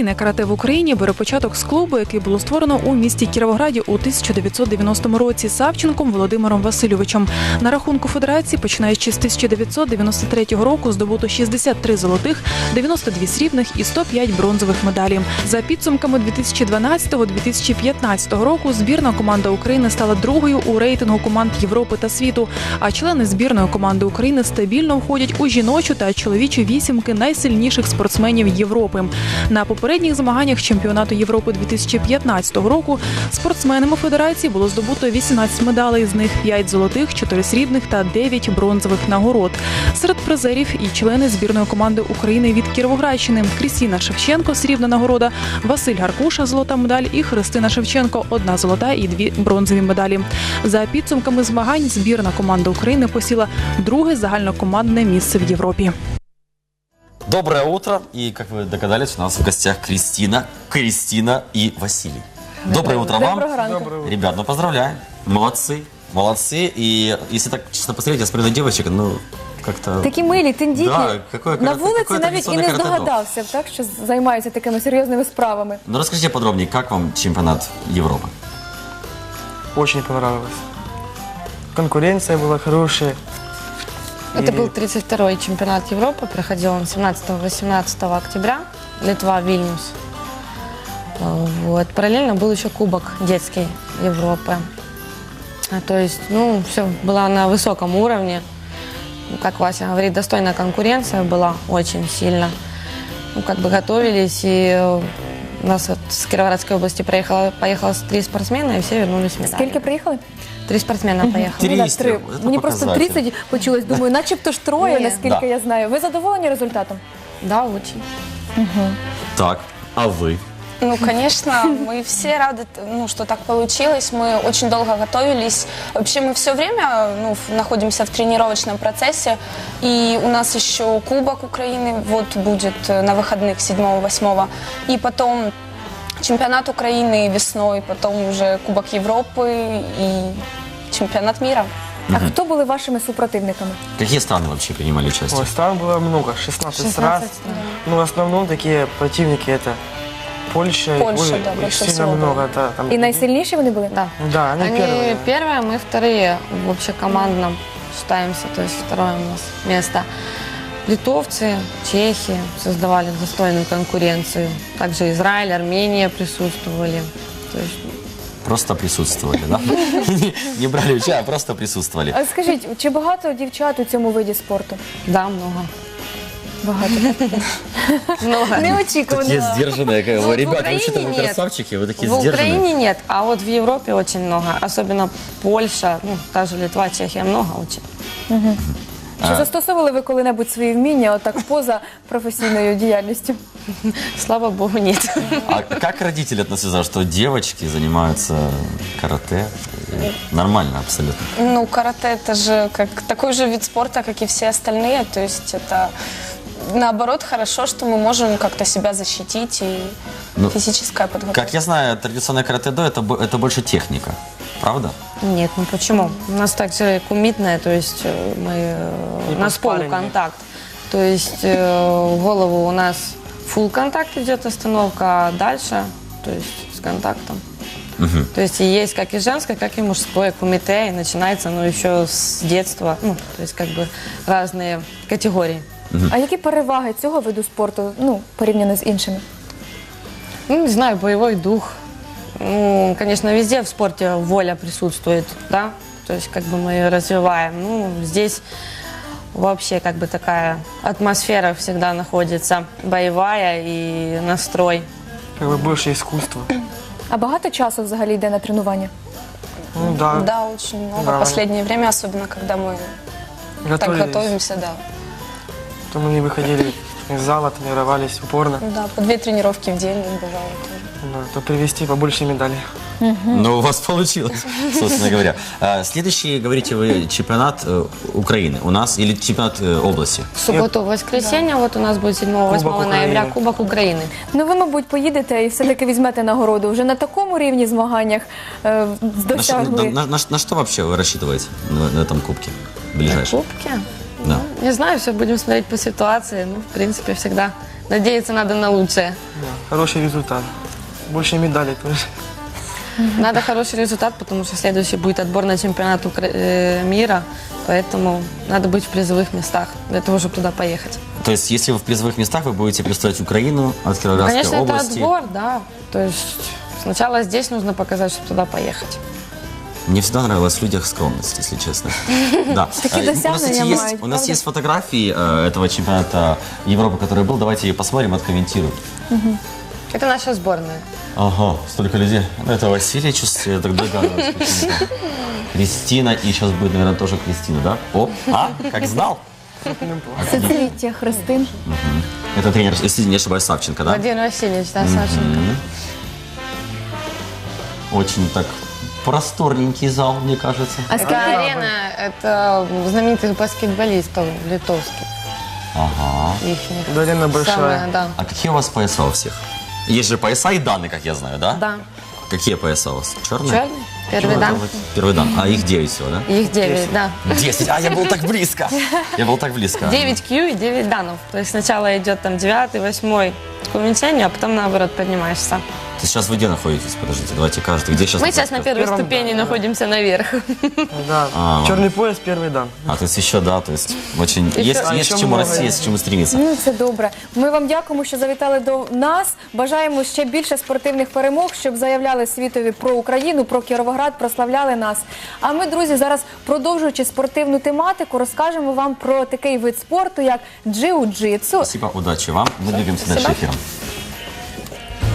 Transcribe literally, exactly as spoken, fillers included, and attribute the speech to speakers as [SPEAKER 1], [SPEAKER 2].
[SPEAKER 1] Професійне карате в Україні бере початок з клубу, який було створено у місті Кіровограді у тисяча дев'ятсот дев'яностому році Савченком Володимиром Васильовичем. На рахунку федерації, починаючи з тисяча дев'ятсот дев'яносто третього року, здобуто шістдесят три золотих, дев'яносто дві срібних і сто п'ять бронзових медалей. За підсумками дві тисячі дванадцятого - дві тисячі п'ятнадцятого року збірна команда України стала другою у рейтингу команд Європи та світу, а члени збірної команди України стабільно входять у жіночу та чоловічу вісімки найсильніших спортсменів Європи. На попередніх змаганнях чемпіонату Європи дві тисячі п'ятнадцятого року спортсменами федерації було здобуто вісімнадцять медалей, з них п'ять золотих, чотири срібних та дев'ять бронзових нагород. Серед призерів і члени збірної команди України від Кіровоградщини: Крістіна Шевченко – срібна нагорода, Василь Гаркуша – золота медаль і Христина Шевченко – одна золота і дві бронзові медалі. За підсумками змагань збірна команда України посіла друге загальнокомандне місце в Європі.
[SPEAKER 2] Доброе утро. И, как вы догадались, у нас в гостях Кристина, Кристина и Василий. Доброе утро вам.
[SPEAKER 3] Доброе.
[SPEAKER 2] Ребят, ну поздравляем. Молодцы. Молодцы. И если так честно посмотреть, я смотрю на девочек, ну, как-то...
[SPEAKER 3] Такі милі, тендітні.
[SPEAKER 2] Да, какое
[SPEAKER 3] На
[SPEAKER 2] карате-
[SPEAKER 3] вулиці
[SPEAKER 2] какое
[SPEAKER 3] навіть і не
[SPEAKER 2] традиционное карате-до.
[SPEAKER 3] здогадався, так, що займаються такими серйозними справами.
[SPEAKER 2] Ну, расскажите подробнее, как вам чемпионат Европы?
[SPEAKER 4] Очень понравилось. Конкуренция была хорошая.
[SPEAKER 5] Это
[SPEAKER 4] И
[SPEAKER 5] был тридцать второй чемпионат Европы, проходил он семнадцатого-восемнадцатого октября, Литва, Вильнюс. Вот. Параллельно был еще Кубок детской Европы. А, То есть, ну, все было на высоком уровне. Ну, Как Вася говорит, достойная конкуренция была очень сильно. Ну, как бы готовились, и э, у нас вот с Кировоградской области проехало, поехало три спортсмена, и все вернулись с медалями.
[SPEAKER 3] Скільки приїхали?
[SPEAKER 5] Три спортсмена поехали.
[SPEAKER 2] Три.
[SPEAKER 3] Ну, да, три.
[SPEAKER 2] Це
[SPEAKER 3] Мені просто
[SPEAKER 2] показатель.
[SPEAKER 3] тридцять почулось, думаю, начебто ж троє,
[SPEAKER 5] Ні.
[SPEAKER 3] наскільки
[SPEAKER 2] Да.
[SPEAKER 3] я знаю. Ви задоволені результатом?
[SPEAKER 5] Да, очень.
[SPEAKER 2] Так, а вы?
[SPEAKER 6] Ну, конечно, мы все рады, ну, что так получилось. Мы очень долго готовились. Вообще мы все время ну, в- находимся в тренировочном процессе. И у нас еще Кубок Украины вот будет э, на выходных седьмого-восьмого. И потом чемпионат Украины весной, потом уже Кубок Европы и чемпионат мира.
[SPEAKER 3] А хто були вашими супротивниками?
[SPEAKER 2] Какие страны вообще принимали участие?
[SPEAKER 4] Ой, стран было много, шестнадцать стран. Ну, в основном такие противники это Польша.
[SPEAKER 6] Польша,
[SPEAKER 4] Ой,
[SPEAKER 6] да,
[SPEAKER 4] их
[SPEAKER 6] больше
[SPEAKER 4] сильно
[SPEAKER 6] всего
[SPEAKER 4] много.
[SPEAKER 6] было.
[SPEAKER 4] Да, там...
[SPEAKER 3] І найсильніші вони були?
[SPEAKER 5] Да.
[SPEAKER 4] Да, они,
[SPEAKER 5] Они
[SPEAKER 4] первые.
[SPEAKER 5] первые, мы вторые в общекомандном считаемся, то есть второе у нас место. Литовцы, чехи создавали достойную конкуренцию. Также Израиль, Армения присутствовали. То есть
[SPEAKER 2] Просто присутствовали, да? Не- Не брали участие, а просто присутствовали.
[SPEAKER 3] А скажіть, чи багато дівчат у цьому виді спорту?
[SPEAKER 5] да, много.
[SPEAKER 3] Багато.
[SPEAKER 5] Много.
[SPEAKER 3] Неочікувано.
[SPEAKER 2] Такие сдержанные, как
[SPEAKER 5] Ну,
[SPEAKER 2] бы,
[SPEAKER 5] в
[SPEAKER 2] ребята,
[SPEAKER 5] Украине
[SPEAKER 2] вообще-то вы
[SPEAKER 5] нет.
[SPEAKER 2] красавчики, вы такие
[SPEAKER 5] В
[SPEAKER 2] сдержанные.
[SPEAKER 5] Украине нет, а вот в Европе очень много. Особенно Польша, ну, та же Литва, Чехия, много очень.
[SPEAKER 3] Чи застосовували ви коли-небудь свої вміння отак поза професійною діяльністю?
[SPEAKER 5] Слава богу, нет.
[SPEAKER 2] А как родители относятся, что девочки занимаются карате? Нормально абсолютно.
[SPEAKER 6] Ну, карате это же как такой же вид спорта, как и все остальные. То есть это наоборот хорошо, что мы можем как-то себя защитить и
[SPEAKER 2] Ну,
[SPEAKER 6] физическая подготовка.
[SPEAKER 2] Как я знаю, традиционное карате-до это, бо- это больше техника, правда?
[SPEAKER 5] Нет, ну почему? У нас также кумитное, то есть э, мы, э,
[SPEAKER 4] И
[SPEAKER 5] у нас
[SPEAKER 4] по спаррингу.
[SPEAKER 5] полуконтакт. То есть э, в голову у нас фулл контакт идет остановка, а дальше, то есть с контактом. То есть и есть как и женское, как и мужское кумите, и начинается оно еще с детства, ну, то есть как бы разные категории.
[SPEAKER 3] А які переваги цього виду спорту, ну, порівняно з іншими?
[SPEAKER 5] Ну, не знаю, боевой дух. Ну, конечно, везде в спорте воля присутствует, да, то есть как бы мы ее развиваем. Ну, здесь вообще как бы такая атмосфера всегда находится, боевая и настрой.
[SPEAKER 4] Как бы больше искусства.
[SPEAKER 3] А багато часу взагалі йде на тренування?
[SPEAKER 4] Ну да.
[SPEAKER 6] Да, очень много.
[SPEAKER 4] Да.
[SPEAKER 6] Последнее время, особенно когда мы так
[SPEAKER 4] Готовились.
[SPEAKER 6] готовимся, да.
[SPEAKER 4] То мы не выходили из зала, тренировались упорно.
[SPEAKER 6] Да, по две тренировки в день бывало тоже.
[SPEAKER 4] Да, то привезти побольше медалей.
[SPEAKER 2] Но у вас получилось, собственно говоря. А, Следующий, говорите вы, чемпионат э, Украины у нас или чемпионат э, области?
[SPEAKER 5] В субботу, воскресенье, вот у нас будет седьмого-восьмого
[SPEAKER 4] Кубок
[SPEAKER 5] ноября
[SPEAKER 4] Украины.
[SPEAKER 5] Кубок Украины.
[SPEAKER 3] Ну, ви, мабуть, поїдете і все-таки візьмете нагороду. Вже на такому рівні змаганнях е,
[SPEAKER 2] На, что-
[SPEAKER 3] досягли.
[SPEAKER 2] на- на- на что вообще вы рассчитываете на, на этом кубке ближайшем?
[SPEAKER 5] Кубки?
[SPEAKER 2] Да.
[SPEAKER 5] Не знаю, все будем смотреть по ситуации. Ну, в принципе, всегда надеяться надо на лучшее.
[SPEAKER 4] Да. хороший результат. Больше медалей тоже.
[SPEAKER 5] Надо хороший результат, потому что следующий будет отбор на чемпионат Укра- э, мира, поэтому надо быть в призовых местах для того, чтобы туда поехать.
[SPEAKER 2] То есть, если вы в призовых местах, вы будете представлять Украину от Кировоградской
[SPEAKER 5] Конечно,
[SPEAKER 2] области.
[SPEAKER 5] это отбор, да. То есть сначала здесь нужно показать, чтобы туда поехать.
[SPEAKER 2] Мне всегда нравилась в людях скромность, если честно. Да.
[SPEAKER 3] Такие
[SPEAKER 2] Э, У нас,
[SPEAKER 3] досягнення
[SPEAKER 2] кстати, есть,
[SPEAKER 3] мають,
[SPEAKER 2] у нас
[SPEAKER 3] правда?
[SPEAKER 2] есть фотографии э, этого чемпионата Европы, который был. Давайте ее посмотрим, откомментируем.
[SPEAKER 5] Это наша сборная.
[SPEAKER 2] Ага, столько людей. Ну, это Василий, чувствую, я так догадываюсь. почему-то. Кристина, и сейчас будет, наверное, тоже Кристина, да? О, а, как знал.
[SPEAKER 3] Соцвіття Христин.
[SPEAKER 2] Это тренер, если не ошибаюсь, Савченко, да?
[SPEAKER 5] Владимир Васильевич, да, Сашенька.
[SPEAKER 2] Очень так просторненький зал, мне кажется.
[SPEAKER 3] А
[SPEAKER 5] Это
[SPEAKER 3] скільки
[SPEAKER 5] арена, это знаменитых баскетболистов литовских.
[SPEAKER 2] Ага.
[SPEAKER 5] Ихних.
[SPEAKER 4] Да, арена большая.
[SPEAKER 5] Самая, да.
[SPEAKER 2] А какие у вас пояса у всех? Есть же пояса и даны, как я знаю, да?
[SPEAKER 5] Да.
[SPEAKER 2] Какие пояса у вас? Черные?
[SPEAKER 5] Черный, первый дан.
[SPEAKER 2] Первый дан. А их девять всего, да?
[SPEAKER 5] Их девять, да.
[SPEAKER 2] Десять. А, я был так близко. Я был так близко.
[SPEAKER 5] девять кью и девять данов. То есть сначала идет там девятый, восьмой к уменьшению, а потом наоборот поднимаешься.
[SPEAKER 2] То есть сейчас вы где находитесь? Подождите, давайте каждый. Где сейчас?
[SPEAKER 5] Мы сейчас на первой
[SPEAKER 4] первом
[SPEAKER 5] ступени находимся наверх.
[SPEAKER 4] Да.
[SPEAKER 2] А.
[SPEAKER 4] Черный пояс, первый дан.
[SPEAKER 2] А, то есть еще, да, то есть очень...
[SPEAKER 5] Еще-
[SPEAKER 2] Есть,
[SPEAKER 4] А,
[SPEAKER 2] есть
[SPEAKER 4] еще
[SPEAKER 2] к чему
[SPEAKER 4] много
[SPEAKER 2] расти,
[SPEAKER 4] есть.
[SPEAKER 2] есть к чему стремиться.
[SPEAKER 3] Ну, це добре. Ми вам дякуємо, що завітали до нас. Бажаємо ще більше спортивних перемог, щоб заявляли світові про Україну, про Кіровоград, прославляли нас. А ми, друзі, зараз, продовжуючи спортивну тематику, розкажемо вам про такий вид спорту, як джиу-джитсу.
[SPEAKER 2] Спасибо, удачи вам. Мы двигаемся дальше эфиром.